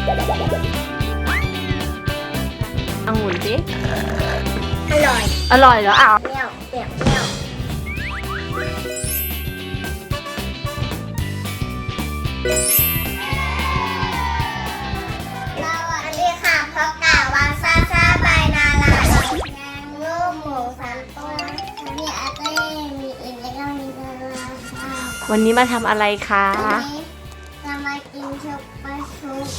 องุ่นสิอร่อยอร่อยเหรออ้าวเปรี้ยวเปรี้ยวเปรี้ยวเราอันนี้ค่ะเพราะกาวางซาซาใบนาลาแกงลูกหมู3 ตัวมีอาเต้มีอินแล้วก็มีนาลาค่ะวันนี้มาทำอะไรคะวันนี้จะมากินชุบปลาชุบ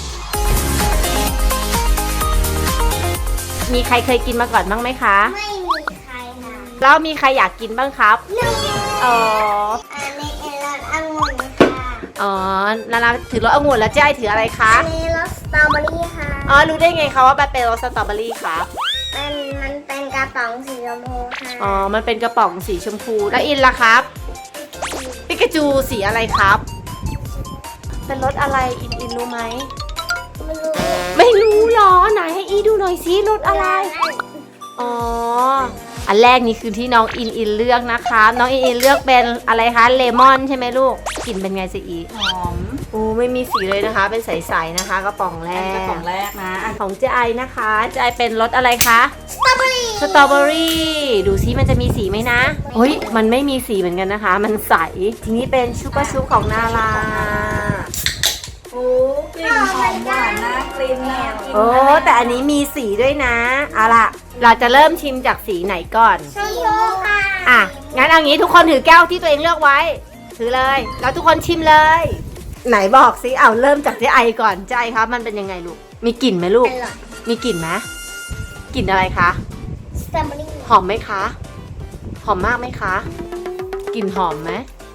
มีใครเคยกินมาก่อนบ้างไหมคะไม่มีใครค่ะแล้วมีใครอยากกินบ้างครับหนึ่งอ๋ออันนี้เป็นรสองุ่นค่ะอ๋อนาราถือรสองุ่นแล้วเจ๊ไอถืออะไรคะอันนี้รสสตรอเบอรี่ค่ะอ๋อรู้ได้ไงคะว่ามันเป็นรสสตรอเบอรี่ครับมันเป็นกระป๋องสีชมพูค่ะอ๋อมันเป็นกระป๋องสีชมพูแล้วอินล่ะครับปิกาจูสีอะไรครับ เป็นรสอะไรอินรู้ไหมไม่รู้ไม่รู้หรอไหนให้อีดูหน่อยสิรสอะไร อ๋อ อันแรกนี่คือที่น้องอินเลือกนะคะ น้องอินเลือกเป็นอะไรคะ เลมอนใช่ไหมลูก กลิ่นเป็นไงสิอีหอมโอ้ไม่มีสีเลยนะคะ เป็นใสๆนะคะกระป๋องแรอันนี้กกระป๋องแรกนะอันของเจไอนะคะเจไอเป็นรสอะไรคะสตรอเบอรี่สตรอเบอรี่ดูซิมันจะมีสีไหมนะเฮ้ยมันไม่มีสีเหมือนกันนะคะ มันใส ทีนี้เป็นชุบะชุบของนาราโอ้กลิ่นหอมหวานน่ากลิ่นน่ากินโอ้แต่อันนี้มีสีด้วยนะเอาล่ะ เราจะเริ่มชิมจากสีไหนก่อนชมพูค่ะอ่ะ งั้นเอางี้ทุกคนถือแก้วที่ตัวเองเลือกไว้ ถือเลย แล้วทุกคนชิมเลย ไหนบอกสิเอาเริ่มจากเจ๊ไอก่อนเจ๊ไอครับมันเป็นยังไงลูก มีกลิ่นไหมลูกอร่อยมีกลิ่นไหมกลิ่นอะไรคะสตรอเบอรี่หอมไหมคะ หอมมากไหมคะ กลิ่นหอมไหม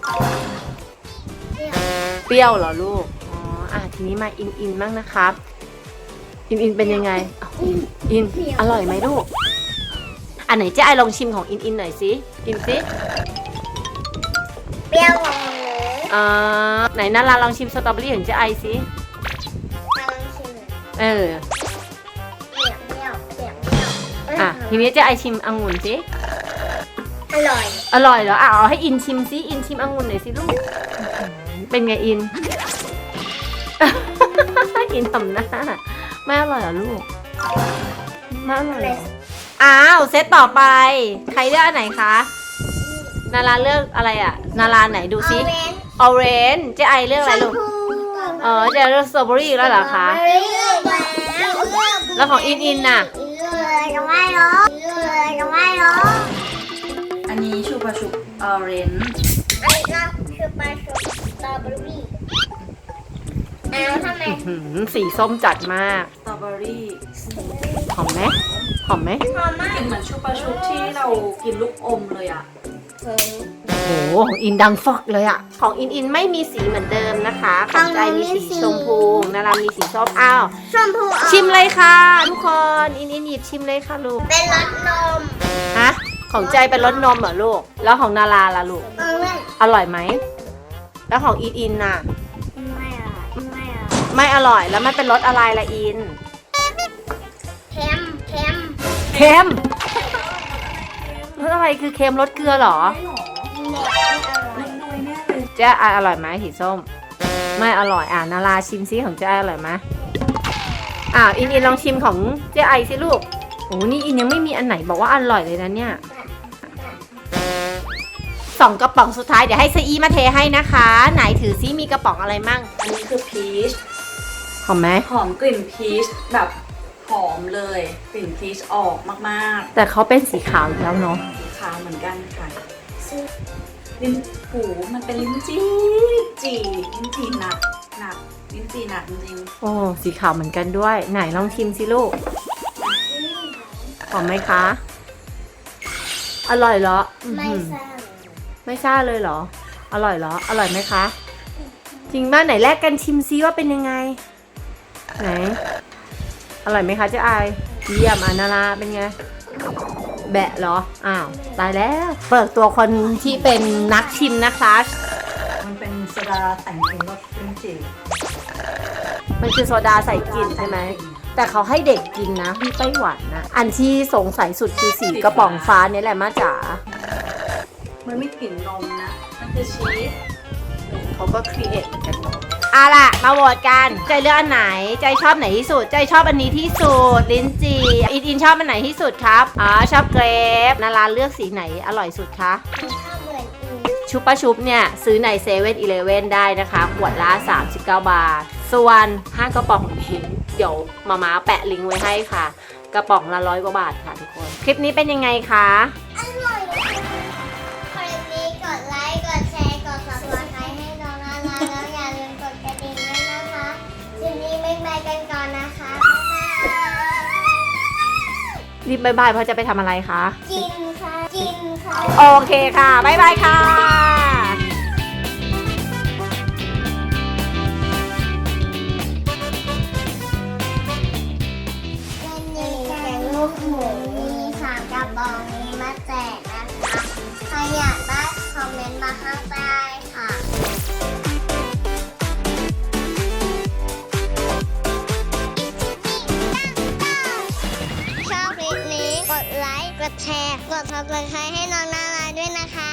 เปรี้ยวเหรอลูก อ๋อ อ่ะทีนี้มาอินบ้างนะครับ อินเป็นยังไงอ้าวอินอร่อยไหมลูก อันไหนเจ๊ไอลองชิมของอินหน่อยสิอินสิเปรี้ยวของหนูไหนนาราลองชิมสตรอเบอรี่ของเจ๊ไอสิมาลองชิมหน่อยเออเปรี้ยวเปรี้ยวเปรี้ยวเปรี้ยวอ่ะทีนี้เจ๊ไอชิมองุ่นสิอร่อยอร่อยเหรออ่ะเอาให้อินชิมสิอินชิมองุ่นหน่อยสิลูก เป็นไงอิน อินทำหน้าไม่อร่อยเหรอลูกไม่อร่อยเหรออ้าวเซตต่อไป ใครเลือกอันไหนคะ นาราเลือกอะไรอ่ะ นาราไหนดูออสิเรนจ์ออเรนจ์เจ๊ไอเลือกอะไรลูกชมพูเจ๊เลือกสตรอเบอรี่แล้วเหรอคะเลือกแล้วแล้วของอินน่ะเลือกก็ไม่รู้เลือกก็ไม่รู้อันนี้ชูบะชุบออเรนจ์อันนี้ก็คือปลาชุบสตรอเบอรี่อ้าวทำไมสีส้มจัดมากสตรอเบอรี่หอมไหมหอมไหมหอมมากกลิ่นเหมือนชูบะชุบที่เรากินลูกอมเลยอ่ะโอ้โหของอินดังฟอกเลยอะของอินไม่มีสีเหมือนเดิมนะคะของใจมีสีชมพูนารามีสีส้มอ้าวชมพูชิมเลยค่ะ ทุกคนอินหยิบชิมเลยค่ะลูกเป็นรสนมฮะของใจเป็นรสนมเหรอลูกแล้วของนาราล่ะลูกไม่อร่อยไหมแล้วของอินน่ะไม่อร่อยไม่อร่อยไม่อร่อยแล้วมันเป็นรสอะไรล่ะอินเค็มเค็มเค็มรสอะไรคือเค็มรสเกลือเหรอไม่น้อยแน่เลยเจ๊อร่อยไหมสีส้ม ไม่อร่อยนาราชิมซิของเจ๊อร่อยไหมอินลองชิมของเจ๊ไอสิลูกโอ้นี่อินยังไม่มีอันไหนบอกว่าอร่อยเลยนะเนี่ย2 กระป๋องสุดท้ายเดี๋ยวให้ซอีมาเทให้นะคะ ไหนถือซิมีกระป๋องอะไรมั่งอันนี้คือพีชหอมไหมหอมกลิ่นพีชแบบหอมเลย กลิ่นพีชออกมากแต่เขาเป็นสีขาวอีกแล้วเนาะๆสีขาวเหมือนกันค่ะลิ้นหูมันเป็นลิ้นจี่ลิ้นจี่หนักลิ้นจี่หนักจริงโอ้สีขาวเหมือนกันด้วย ไหนลองชิมสิลูกหอมไหมคะ อร่อยเหรอไม่อื้อหือทราบไม่ซ่าเลยเหรอ อร่อยเหรอ อร่อยไหมคะ จริงป่ะไหนแลกกันชิมซิว่าเป็นยังไง ไหน อร่อยไหมคะเจ๊ไอายเยี่ยมนาราเป็นไง แบะเหรอ อ้าว ตายแล้ว เปิดตัวคนที่เป็นนักชิมนะคะๆมันเป็นโซดาแต่งเป็นรสลิ้นจี่มันคือโซดาใส่กลิ่นใช่ไหม แต่เขาให้เด็กกินนะที่ไต้หวันนะ อันที่สงสัยสุดคือสีกระป๋องฟ้าเนี่ยแหละมาจ๋ามันไม่กลิ่นนมนะ มันคือชีสเขาก็ครีเอทเหมือนกันเนอะเอาล่ะมาโหวตกันใจเลือกอันไหนใจชอบไหนที่สุดใจชอบอันนี้ที่สุดลิ้นจี่อินชอบอันไหนที่สุดครับชอบเกรปนาราเลือกสีไหนอร่อยสุดคะชอบเหมือนอื่นชุบปะชุบเนี่ยซื้อในเซเว่นอีเลฟเว่นได้นะคะขวดละ39 บาทส่วน5กระป๋องนี้เดี๋ยวมาแปะลิงก์ไว้ให้ค่ะ กระป๋องละ100 กว่าบาทค่ะทุกคนคลิปนี้เป็นยังไงคะอร่อยคลิปนี้กดไลค์กดแชร์กด subscribe ให้น้องนาราแล้วอย่าลืมกดกระดิ่งด้วยนะคะคลิปนี้บ๊ายบายกันก่อนนะคะบ๊ายบายรีบบ๊ายบายเพราะจะไปทำอะไรคะกินค่ะ กินค่ะโอเคค่ะบ๊ายบายค่ะวันนี้แกงลูกหมูมี3กระบอกนี้มาแจกนะคะใครอยากได้คอมเมนต์มาข้างใต้ค่ะชอบคลิปนี้กดไลค์ กดแชร์ กด subscribe ให้น้องนาราด้วยนะคะ